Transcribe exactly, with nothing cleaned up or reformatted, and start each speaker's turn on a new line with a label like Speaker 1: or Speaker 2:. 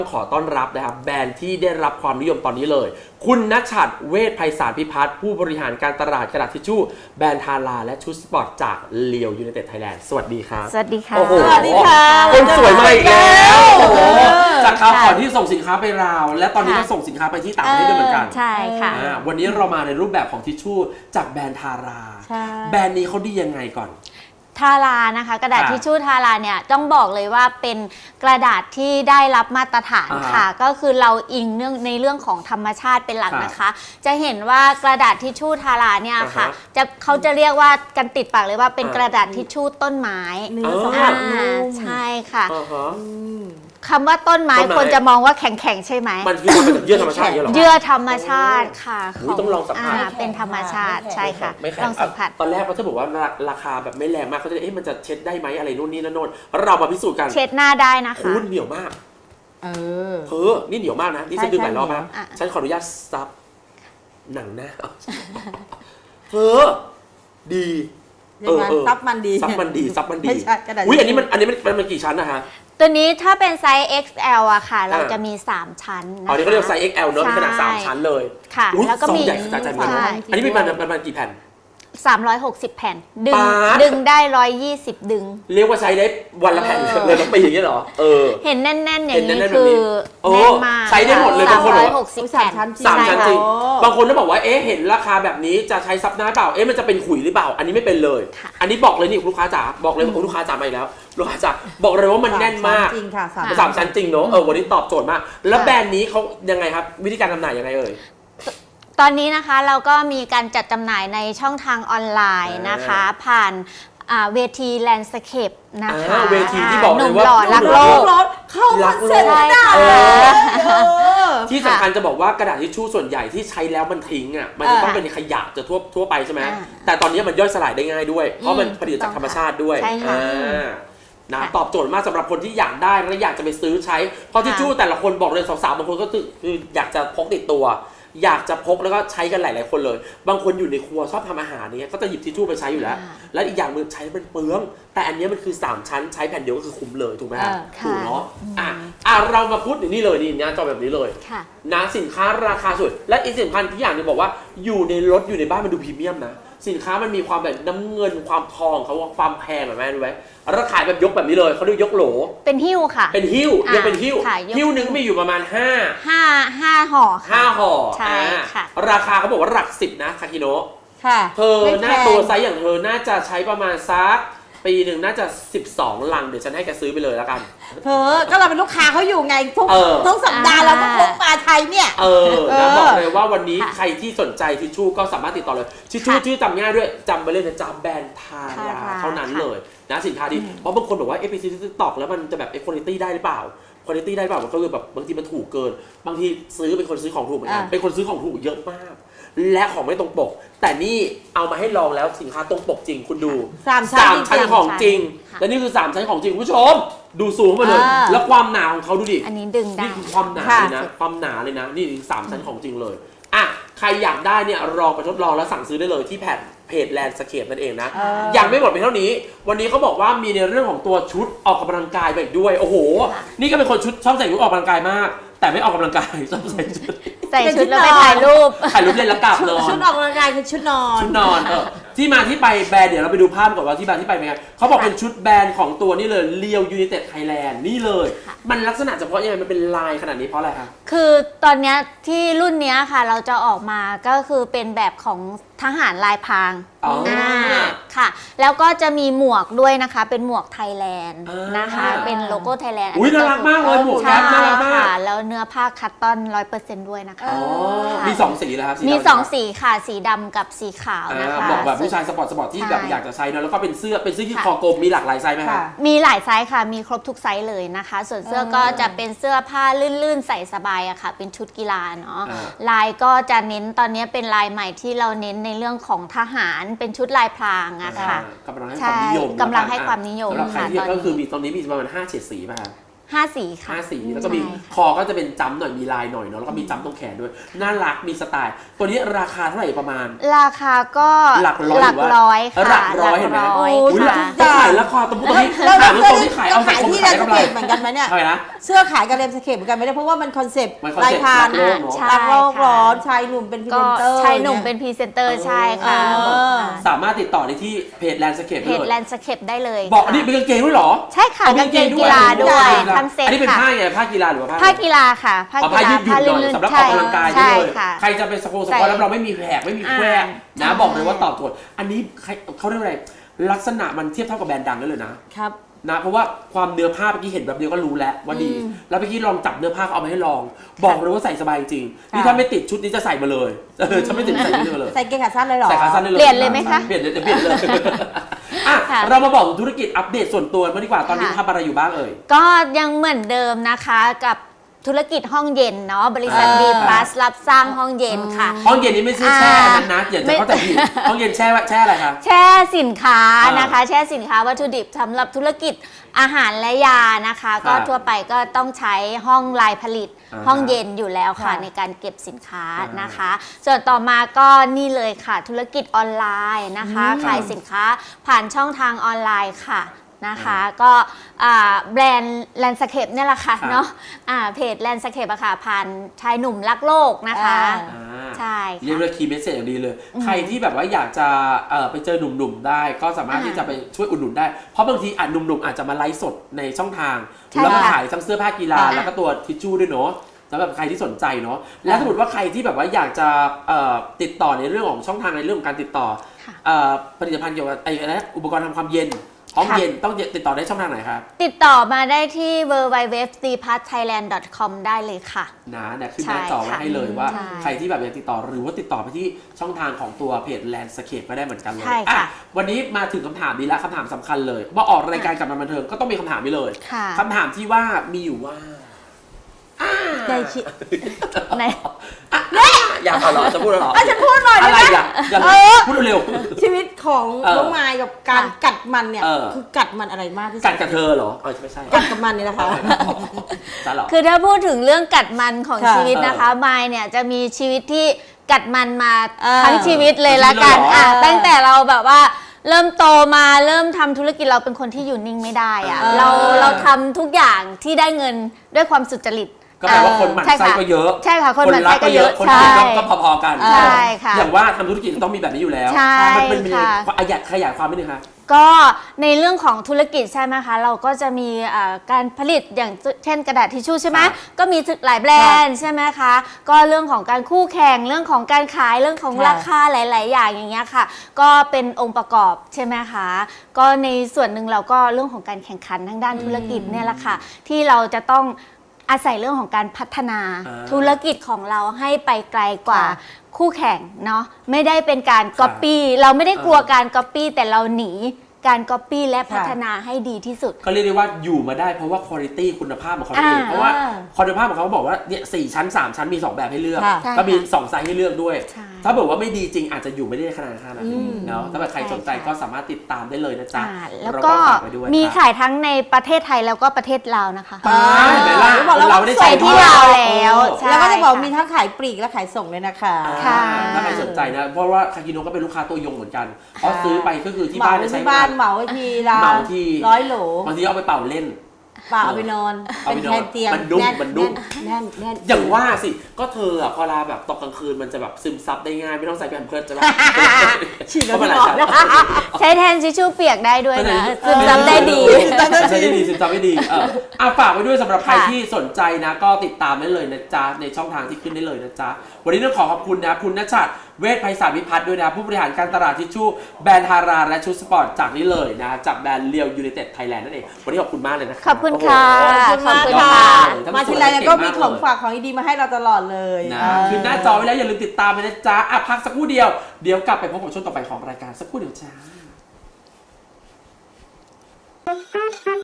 Speaker 1: ขอต้อนรับนะครับแบรนด์ที่ได้รับความนิยมตอนนี้เลยคุณณชัดเวชไพศาลพิพัฒน์ผู้บริหารการตลาดกระดาษทิชชู่แบรนด์ทาราและชุดสปอร์ตจากเลียวยูไนเต็ดไทยแลนด์สวัสดีครับ
Speaker 2: สวัสดีค่ะ
Speaker 1: สวัสดีค่ะคนสวยมาอีกแล้วจากคราวก่อนที่ส่งสินค้าไปลาวและตอนนี้ก็ส่งสินค้าไปที่ต่างประเทศด้วยเหมือนกัน
Speaker 2: ใช่ค่ะ
Speaker 1: วันนี้เรามาในรูปแบบของทิชชู่จากแบรนด์ทาราแบรนด์นี้เขาดียังไงก่อน
Speaker 2: ทารานะคะกระดาษทิชชู่ทาราเนี่ยต้องบอกเลยว่าเป็นกระดาษที่ได้รับมาตรฐานค่ะก็คือเราอิงเนื่องในเรื่องของธรรมชาติเป็นหลักนะคะจะเห็นว่ากระดาษทิชชู่ทาราเนี่ยค่ะจะเขาจะเรียกว่ากันติดปากเลยว่าเป็นกระดาษทิชชู่ต้นไม้
Speaker 3: เนื้อสัมผัสนุ่ม
Speaker 2: ใช่ค่ะคำว่าต้นไม้คนจะมองว่าแข็งๆใช่ไหม
Speaker 1: มันคือมาจากเยื่อธรรมชาติเหรอ
Speaker 2: เยื่อธรรมชาติค่ะ
Speaker 1: ต้องลองสัมผัส
Speaker 2: เป็นธรรมชาติใช่ค่ะ
Speaker 1: ลองสัมผัสตอนแรกเขาจะบอกว่าราคาแบบไม่แรงมากเขาจะเอ๊ะมันจะเช็ดได้ไหมอะไรนู่นนี่นั่นโน่นเรามาพิสูจน์กัน
Speaker 2: เช็ดหน้าได้นะคะ
Speaker 1: คุณเหนียวมากเออเออนี่เหนียวมากนะนี่ฉันดึงหลายรอบนะฉันขออนุญาตซับหนังนะเออดี
Speaker 3: เออซับมันดี
Speaker 1: ซับมันดีซับมันดีอุ้ยอันนี้มันอันนี้มันมันกี่ชั้นนะคะ
Speaker 2: ตัวนี้ถ้าเป็นไซส์ เอ็กซ์ แอล อะค่ะเราจะมีสามชั้นนะคะ
Speaker 1: อ๋อนี่เขาเรียกไซส์ เอ็กซ์ แอล เนอะเป็นขนาดสามชั้นเลย
Speaker 2: ค่ะแล้วก็มี
Speaker 1: อันนี้มีประมาณกี่แผ่น
Speaker 2: สามร้อยหกสิบแผ่นดึงดึงได้หนึ่งร้อยยี่สิบดึง
Speaker 1: เรียกว่าใช้ได้วันละแผ่นเลยทั้งปีอย่างนี้เหรอเออ
Speaker 2: เห็นแน่นๆอย่างนี้คือแน่นมาก
Speaker 1: ใช้ได้หมดเลยบางคนบอก
Speaker 2: หกสิบแผ่น
Speaker 1: สามชั้นจริงบางคนก็บอกว่าเอ๊ะเห็นราคาแบบนี้จะใช้ซับหน้าเปล่าเอ๊ะมันจะเป็นขุยหรือเปล่าอันนี้ไม่เป็นเลยอันนี้บอกเลยนี่ลูกค้าจ๋าบอกเลยลูกค้าจ๋ามาอีกแล้วลูกค้าจ๋าบอกเลยว่ามันแน่นมาก
Speaker 3: จริงค่ะ
Speaker 1: สามชั้นจริงเนอะเออวันนี้ตอบโจทย์มากแล้วแบรนด์นี้เขายังไงครับวิธีการจำหน่ายยังไงเอ่ย
Speaker 2: ตอนนี้นะคะเราก็มีการจัดจำหน่ายในช่องทางออนไลน์นะคะผ่านเวทีแลนด์สเคปนะคะ
Speaker 1: เวทีที่บอกเลยว่า
Speaker 2: หนุ่มหล่อรักโลก
Speaker 3: เข้ามาเสร็จ
Speaker 1: ที่สำคัญจะบอกว่ากระดาษทิชชู่ส่วนใหญ่ที่ใช้แล้วมันทิ้งอ่ะมันจะต้องเป็นขยะจะทั่วทั่วไปใช่ไหมแต่ตอนนี้มันย่อยสลายได้ง่ายด้วยเพราะมันผลิตจากธรรมชาติด้วยนะตอบโจทย์มากสำหรับคนที่อยากได้และอยากจะไปซื้อใช้เพราะทิชชู่แต่ละคนบอกเลยสาวๆบางคนก็คืออยากจะพกติดตัวอยากจะพกแล้วก็ใช้กันหลายๆคนเลยบางคนอยู่ในครัวชอบทำอาหารเนี่ยก็จะหยิบทิชชู่ไปใช้อยู่แล้วและอีกอย่างนึงใช้เป็นเปลืองแต่อันนี้มันคือสามชั้นใช้แผ่นเดียวก็คือคุ้มเลยถูกไหมครับถูกเนาะอ่ะอ่ะเรามาพูดอย่างนี้เลยนี่นะจอแบบนี้เลยนะสินค้าราคาสุดและอีกสินค้าที่อย่างนึงบอกว่าอยู่ในรถอยู่ในบ้านมันดูพรีเมียมนะสินค้ามันมีความแบบน้ำเงินความทองเขาความแพงแบบแม่รู้ไหมราคาแบบยกแบบนี้เลยเขาเรียกยกโหล
Speaker 2: เป็นหิ้วค่ะ
Speaker 1: เป็นหิ้วยังเป็นหิ้วหิ้วนึงมีอยู่ประมาณห้า
Speaker 2: ห้าห้าห่อ
Speaker 1: ห้าห่อใช่ค่ะราคาเขาบอกว่าหลักสิบนะคาคิโนะ
Speaker 3: ค่ะ
Speaker 1: เธอหน้าตัวไซส์อย่างเธอน่าจะใช้ประมาณซักปีหนึ่งน่าจะสิบสองลังเดี๋ยวฉันให้แกซื้อไปเลยแล้วกัน
Speaker 3: เธอก็เราเป็นลูกค้าเขาอยู่ไงทุกทุกสัปดาห์เราก็พกมาไทยเนี่ย
Speaker 1: เออแล้วบอกเลยว่าวันนี้ใครที่สนใจทิชชู่ก็สามารถติดต่อเลยทิชชู่ชื่อจำง่ายด้วยจำไปเลยนะจำแบรนด์ทาราเท่านั้นเลยนะสินค้าดีเพราะบางคนบอกว่าเอฟซีที่ติ๊กต็อกแล้วมันจะแบบเอคุณภาพได้หรือเปล่าคุณภาพได้หรือเปล่ามันก็คือแบบบางทีมันถูกเกินบางทีซื้อเป็นคนซื้อของถูกเหมือนกันเป็นคนซื้อของถูกเยอะมากและของไม่ตรงปกแต่นี่เอามาให้ลองแล้วสินค้าตรงปกจริงคุณดู
Speaker 3: สาม
Speaker 1: ชั้นของจริงและนี่คือสามชั้นของจริงคุณผู้ชมดูสูงมาเลยแล้วความหนาของเขาดูดิ
Speaker 2: อันนี้ดึงได้
Speaker 1: นี่คือความหนาเลยนะความหนาเลยนะนี่สามชั้นของจริงเลยอ่ะใครอยากได้เนี่ยลองไปทดลองแล้วสั่งซื้อได้เลยที่แผ่นเพจแลนด์สเคปนั่นเองนะยังไม่หมดเพียงเท่านี้วันนี้เขาบอกว่ามีในเรื่องของตัวชุดออกกำลังกายไปด้วยโอ้โหนี่ก็เป็นคนชุดชอบใส่ชุดออกกำลังกายมากแต่ไม่ออกกำลังกายชอบใส่ชุด
Speaker 2: ใส่ชุดแล้วไปถ่ายรูป
Speaker 1: ถ่ายรูปเล่นแล้วกลับนอน
Speaker 3: ชุดออกกำลังกายคือชุดนอน
Speaker 1: ชุดนอนเออที่มาที่ไปแบรนด์เดี๋ยวเราไปดูภาพก่อนว่าที่มาที่ไปเป็นไงเขาบอกเป็นชุดแบรนด์ของตัวนี่เลยเลียวยูไนเต็ดไทยแลนด์นี่เลยมันลักษณะเฉพาะยังไงมันเป็นลายขนาดนี้เพราะอะไรคะ
Speaker 2: คือตอนนี้ที่รุ่นนี้ค่ะเราจะออกมาก็คือเป็นแบบของทหารลายพรางอ่าค่ะแล้วก็จะมีหมวกด้วยนะคะเป็นหมวกไทยแลนด์นะคะเป็นโลโก้ไทยแลนด์
Speaker 1: อุ้ยน่ารักมากเลยหมวกแก๊ปน่ารักมาก
Speaker 2: แล้วเนื้อผ้าคัตตอน ร้อยเปอร์เซ็นต์ ด้วยนะคะ
Speaker 1: มีสองสีแล้วครับ
Speaker 2: มีสองสีค่ะสีดำกับสีขาวนะคะ
Speaker 1: บอกแบบผู้ชายสปอร์ตสปอร์ตที่แบบอยากจะใช้เนอะแล้วก็เป็นเสื้อเป็นเสื้อที่คอกลมมีหลากหลายไซส์ไหมคะ
Speaker 2: มีหลายไซส์ค่ะมีครบทุกไซส์เลยนะคะส่วนเสื้อก็จะเป็นเสื้อผ้าลื่นๆใส่สบายอะค่ะเป็นชุดกีฬาเนาะลายก็จะเน้นตอนนี้เป็นลายใหม่ที่เราเน้นในเรื่องของทหารเป็นชุดลายพรางอะค่ะ
Speaker 1: กำลังให้ความนิยม
Speaker 2: กำลังให้ความนิยม
Speaker 1: ค่ะตอนนี้ก็คือมีตอนนี้มีประมาณห้าเฉดสีป่ะคะ
Speaker 2: ห้าสีค่ะ
Speaker 1: ห้าสีแล้วก็มีคอก็จะเป็นจ้ำหน่อยมีลายหน่อยเนาะแล้วก็มีจ้ำตรงแขนด้วยน่ารักมีสไตล์ตัวนี้ราคาเท่าไหร่ประมาณ
Speaker 2: ราคาก็
Speaker 1: หลักร้อย
Speaker 2: หลักร้อยค่ะ
Speaker 1: หลักร้อยเห็นไหม
Speaker 2: หลักร้อย
Speaker 1: อุ้ย
Speaker 2: ค่ะ
Speaker 1: ต้องขายราคาตรงนี้
Speaker 3: แล้ว
Speaker 1: ขาย
Speaker 3: เสื้
Speaker 1: ต
Speaker 3: อ
Speaker 1: รงที่ขายเอาสัง
Speaker 3: ขาย
Speaker 1: คม
Speaker 3: ที่
Speaker 1: ขา
Speaker 3: แล
Speaker 1: ย
Speaker 3: นด์
Speaker 1: กำ
Speaker 3: ส
Speaker 1: ไร
Speaker 3: เคปเหมือนกันไหมเนี่ย
Speaker 1: เท่าไหร่นะ
Speaker 3: เสื้อขายกับแลนด์สเคปเหมือนกันไหมเนี่ยเพราะว่ามันคอนเซปต์
Speaker 1: มันคอนเซ็ปต์
Speaker 3: ลายพราง
Speaker 1: รักโลกเนอะ
Speaker 2: ใช่
Speaker 3: รักโลก
Speaker 2: ค่ะ
Speaker 3: ร้อนชายหนุ่มเป็นพรี
Speaker 2: ก็
Speaker 3: เซนเตอร์
Speaker 2: ชายหนุ่มเป็นพรีเซนเตอร์ใช่ค่ะ
Speaker 3: เออ
Speaker 1: สามารถติดต่อได้ที่เพจแลนด์สเคป
Speaker 2: เพ
Speaker 1: ได้
Speaker 2: จ
Speaker 1: เลย
Speaker 2: แลนด์สเคปได้เลย
Speaker 1: บอกอันนี้เป็นกางเกงด้วยเหรอ
Speaker 2: ใช่ค่ะ
Speaker 1: อ๋อก
Speaker 2: างเกงกีฬาด้วยทั้งเซ็ต
Speaker 1: อันนี้เป็น
Speaker 2: ค่ะ
Speaker 1: ผ้าไงผ้ากีฬาหรือว่าผ้า
Speaker 2: ผ้ากีฬาค่ะผ้า
Speaker 1: อ๋อ
Speaker 2: กี
Speaker 1: ผ้า
Speaker 2: ฬา
Speaker 1: ยืดหยุ่นหน่อย
Speaker 2: ลื่น
Speaker 1: สำหรับ
Speaker 2: ๆ
Speaker 1: ออกกำลังกายได้
Speaker 2: ใช่
Speaker 1: เลย
Speaker 2: ค่ะ
Speaker 1: ใครจะไปสโคส
Speaker 2: ใส่
Speaker 1: ปอร์ตแล้วเราไม่มีแผลไม่มีแควก
Speaker 2: อ่า
Speaker 1: นะบอกเลยว่าตอบโจทย์อันนี้ใครเขาเรียกว่าอะไรลักษณะมันเทียบเท่ากับแบรนด์ดังได้เลยนะครับ นะเพราะว่าความเนื้อผ้าเมื่อกี้เห็นแบบเดียวก็รู้แล้วว่าดี
Speaker 3: อืม
Speaker 1: แล้วเมื่อกี้ลองจับเนื้อผ้าเขาเอามาให้ลอง บอกเลยว่าใส่สบายจริงนี่ถ้าไม่ติดชุดนี้จะใส่มาเลยเออฉันไม่ติดใส่ชุดนี้มาเลย
Speaker 3: ใส่เกงขาสั้นเลยเหรอ
Speaker 1: ใส่ขาสั้นได้เลย
Speaker 2: เปลี่ยนเลยไหมคะ
Speaker 1: เปลี่ยนเลยเดี๋ยวเปลี่ยนเลยอ่ะ
Speaker 2: ค่ะ
Speaker 1: เรามาบอกธุรกิจอัปเดตส่วนตัวมาดีกว่าตอนนี้
Speaker 2: ค่ะ
Speaker 1: ทำอะไรอยู่บ้างเอ่ย
Speaker 2: ก็ยังเหมือนเดิมนะคะกับธุรกิจห้องเย็นเนาะบริษัท
Speaker 1: อ่า
Speaker 2: B Plus รับสร้างห้องเย็นค่ะ
Speaker 1: ห้องเย็นนี้ไม่ใช่แช่
Speaker 2: อ่า
Speaker 1: อันนั้นนะอย่าจะเข้าใจผิดห้องเย็นแช่ว่าแช่อะไรคะ
Speaker 2: แช่สินค้า
Speaker 1: อ่าน
Speaker 2: นะคะ แช่สินค้าวัตถุดิบสำหรับธุรกิจอาหารและยานะคะ ก็ทั่วไปก็ต้องใช้ห้องลายผลิต
Speaker 1: อ่า
Speaker 2: ห้องเย็นอยู่แล้วค่ะ
Speaker 3: ค่ะ
Speaker 2: ในการเก็บสินค้า
Speaker 1: อ่าน
Speaker 2: นะคะ ส่วนต่อมาก็นี่เลยค่ะ ธุรกิจออนไลน์นะคะ
Speaker 3: อืม
Speaker 2: ขายสินค้าผ่านช่องทางออนไลน์ค่ะนะคะ ก็อ่าแบรนด์แลนสเคปเนี่ยแหละค่ะ
Speaker 1: ครับ
Speaker 2: เนาะอ่าเพจแลนสเคปอะค่ะผ่านชายหนุ่มรักโลกนะคะ
Speaker 3: อ่า
Speaker 1: อ่า
Speaker 2: ใช่
Speaker 1: เรียก
Speaker 2: ค่ะ
Speaker 1: ว่าคีย์เมสเซจอย่างดีเลย ใครที่แบบว่าอยากจะเอ่อไปเจอหนุ่มๆได้ ก็สามารถ
Speaker 2: อ่า
Speaker 1: ที่จะไปช่วยอุดหนุนได้ เพราะบางทีอาจหนุ่มๆอาจจะมาไลฟ์สดในช่องทาง
Speaker 2: ใช่
Speaker 1: แล้วก็
Speaker 2: ค่ะ
Speaker 1: ขายทั้งเสื้อผ้ากีฬา
Speaker 2: อ่า
Speaker 1: แล้วก็ตัวทิชชู่ด้วยเนาะสำหรับใครที่สนใจเนาะแล้วสมมติว่าใครที่แบบว่าอยากจะเอ่อติดต่อในเรื่องของช่องทางในเรื่องของการติดต่อ
Speaker 2: ค่ะ
Speaker 1: เอ่อผลิตภัณฑ์เกี่ยวกับไอ้อะไรนะอุปกรณ์ทำความเย็นห้อง
Speaker 2: ค่ะ
Speaker 1: เย็นต้องติดต่อได้ช่องทางไหนครับ
Speaker 2: ติดต่อมาได้ที่ ดับเบิลยู ดับเบิลยู ดับเบิลยู ดอท ซี พัท ไทยแลนด์ ดอท คอม ได้เลยค่ะ
Speaker 1: นะเนี่ยขึ้นหน้าจอไว้ให้เลยว่า
Speaker 2: ใช่
Speaker 1: ใครที่แบบอยากติดต่อหรือว่าติดต่อไปที่ช่องทางของตัวเพจ Landscape ก็ได้เหมือนกันเลย
Speaker 2: ใช่ค่ะ
Speaker 1: อ่ะวันนี้มาถึงคำถามนี้ละคำถามสำคัญเลยว่าออกรายการกับมันบันเทิงก็ต้องมีคำถามนี้เลย
Speaker 2: ค่ะ
Speaker 1: คำถามที่ว่ามีอยู่ว่า
Speaker 3: ใจคิด
Speaker 2: ใน
Speaker 1: อยากเอาเหรอจะพูดเหรอ
Speaker 3: อ่ะฉันพูดหน่อย
Speaker 1: อะ
Speaker 3: ได้
Speaker 1: ไร
Speaker 3: ไหม
Speaker 1: อ่ะอย่า
Speaker 3: เออ
Speaker 1: พูดเร็ว
Speaker 3: ชีวิตของ
Speaker 1: เออ
Speaker 3: น้องไม้กับการกัดมันเนี่ย
Speaker 1: เออ
Speaker 3: คือกัดมันอะไรมากที่สุด
Speaker 1: กัดกับเธอเหรอเออไม่ใช่
Speaker 3: กัดกับมันนี่นะคะ
Speaker 1: จ้าเหรอ
Speaker 2: คือถ้าพูดถึงเรื่องกัดมันของ
Speaker 3: ค่ะ
Speaker 2: ชีวิตนะคะมายเนี่ยจะมีชีวิตที่กัดมันมา
Speaker 3: เออ
Speaker 2: ทั้งชีวิตเลยละกัน
Speaker 1: ทั้งชีวิตเลยเหรอ
Speaker 2: อ่ะ
Speaker 3: เออ
Speaker 2: ตั้งแต่เราแบบว่าเริ่มโตมาเริ่มทำธุรกิจเราเป็นคนที่อยู่นิ่งไม่ได้อะ
Speaker 3: เออ
Speaker 2: เราเราทำทุกอย่างที่ได้เงินด้วยความสุจริต
Speaker 1: ก็แปลว่าคนหมั่น
Speaker 2: ใช่
Speaker 1: ไส้
Speaker 2: ค่ะ
Speaker 1: ก็เยอะ
Speaker 2: ใช่ค่ะคนหมั่นไส้
Speaker 1: รั
Speaker 2: ก็เยอะ
Speaker 1: คน
Speaker 2: ใช่
Speaker 1: เกลียดก็ก็พอๆกัน
Speaker 2: ใช่ค่ะ
Speaker 1: อย่างว่าทำธุรกิจต้องมีแบบนี้อยู่แล้ว
Speaker 2: ใช่
Speaker 1: มันเป็นยังไง
Speaker 2: ค่ะ
Speaker 1: ขยายขยายความนิดนึงคะ
Speaker 2: ก็ในเรื่องของธุรกิจใช่ไหมคะเราก็จะมีเอ่อการผลิตอย่างเช่นกระดาษทิชชู่ใช่ไหม
Speaker 1: ครับ
Speaker 2: ก็มีหลายแบรนด์ใช่ไหมคะก็เรื่องของการคู่แข่งเรื่องของการขายเรื่องของ
Speaker 3: ค่ะ
Speaker 2: ราคาหลาย ๆ อย่างอย่างเงี้ยค่ะ ก็เป็นองค์ประกอบใช่ไหมคะก็ในส่วนหนึ่งเราก็เรื่องของการแข่งขันทางด้านธุรกิจเนี่ยแหละค่ะที่เราจะต้องอาศัยเรื่องของการพัฒนา
Speaker 1: อ่า
Speaker 2: ธุรกิจของเราให้ไปไกลกว่า
Speaker 3: ค่ะ
Speaker 2: คู่แข่งเนาะไม่ได้เป็นการก๊อปปี้เราไม่ได้กลัวการก๊อปปี้แต่เราหนีการก๊อปปี้และพัฒนาให้ดีที่สุด
Speaker 1: ก็เรียกได้ว่าอยู่มาได้เพราะว่าคุณภาพคุณภาพของเขาเอง
Speaker 2: อ่า
Speaker 1: เพราะว่าคุณภาพของเขาบอกว่าเนี่ยสี่ชั้นสามชั้นมีสองแบบให้เลือก
Speaker 3: ค่ะ
Speaker 2: ใช่
Speaker 1: ก็มี
Speaker 2: ค่ะ
Speaker 1: สองไซส์ให้เลือกด้วย
Speaker 2: ใช่
Speaker 1: ถ้าบอกว่าไม่ดีจริงอาจจะอยู่ไม่ได้ขนาดนั้น
Speaker 3: อืม
Speaker 1: เนาะถ้าแบบใครสนใจ
Speaker 2: ใช่ค่ะ
Speaker 1: ก็สามารถติดตามได้เลยนะจ๊ะ
Speaker 2: อ่าแล้ว
Speaker 1: เรา
Speaker 2: ก็
Speaker 1: ฝากไว้ด้วย
Speaker 2: มี
Speaker 1: ครับ
Speaker 2: ขายทั้งในประเทศไทยแล้วก็ประเทศลาวนะคะ
Speaker 1: อ่าเห็นไหมล่ะ
Speaker 3: บอกแล้วว่า
Speaker 1: เราไม่ได้
Speaker 2: ใส่ที่
Speaker 1: ด้วย
Speaker 2: ลาวแล้ว
Speaker 1: เออ
Speaker 2: ใช่
Speaker 3: แล้วก็จะบอก
Speaker 2: ค่ะ
Speaker 3: มีทั้งขายปลีกและขายส่งเลยนะคะ
Speaker 2: ค่ะ
Speaker 1: ถ้าใครสนใจนะเพราะว่าคากิโนก็เป็นลูกค้าตัวยงเหมือนกันเพราะซื้อไปก็คือที่
Speaker 3: เหมา
Speaker 1: บ้านจะใช้
Speaker 3: ที่บ้านเหมาไว้ทีละ
Speaker 1: เหมาที
Speaker 3: ร้อยโหล
Speaker 1: บางทีเอาไปเป่าเล่น
Speaker 3: เปล่าเอาไปนอน
Speaker 1: เอา
Speaker 3: เป็น
Speaker 1: ไปนอน
Speaker 3: แทนเตียง
Speaker 1: มันนุ่ม
Speaker 3: แน่น
Speaker 1: มันนุ่ม
Speaker 3: แน่นแน่น
Speaker 1: อย่างว่าสิก็เธออะพอลาแบบตกกลางคืนมันจะแบบซึมซับได้ง่ายไม่ต้องใส่แผ่นเพิร์ดจะแบบ
Speaker 3: ฉีด
Speaker 1: เพราะมันห
Speaker 3: แล้
Speaker 1: ลายว
Speaker 3: พี่
Speaker 1: ชั้น
Speaker 3: บอก
Speaker 2: ใช้แทนทิชชู่เปียกได้ด้วยนะ
Speaker 1: เออ
Speaker 2: ซึมซับได้ดี
Speaker 1: ใช่ได้ดีซึมซับได้ดีเอออ่ะฝากไว้ด้วยสำหรับใคร
Speaker 2: ค่ะ
Speaker 1: ที่สนใจนะก็ติดตามได้เลยนะจ๊ะในช่องทางที่ขึ้นได้เลยนะจ๊ะวันนี้ต้องขอขอบคุณนะคุณณชัดเวชไพศาลวิพัฒน์ด้วยนะผู้บริหารการตลาดทิชชู่แบรนด์ทาราและชุดสปอร์ตจากนี้เลยนะจากแบรนด์เรียวยูไนเต็ดไทยแลนด์นั่นเองวันนี้ขอบคุณมากเลยนะ
Speaker 2: ขอบคุณค่ะ
Speaker 3: ขอบคุณมาก
Speaker 2: ขอบคุณ
Speaker 3: ค่ะ
Speaker 2: ค่ะ
Speaker 3: มาทีไรเนี่ยก็มีของฝากของดีๆมาให้เราตลอดเลย
Speaker 1: นะ
Speaker 3: เออ
Speaker 1: ขึ้นหน้าจอไว้แล้วอย่าลืมติดตามไปนะจ๊ะอ่ะพักสักครู่เดียวเดี๋ยวกลับไปพบกับช่วงต่อไปของรายการสักครู่เดียวจ้า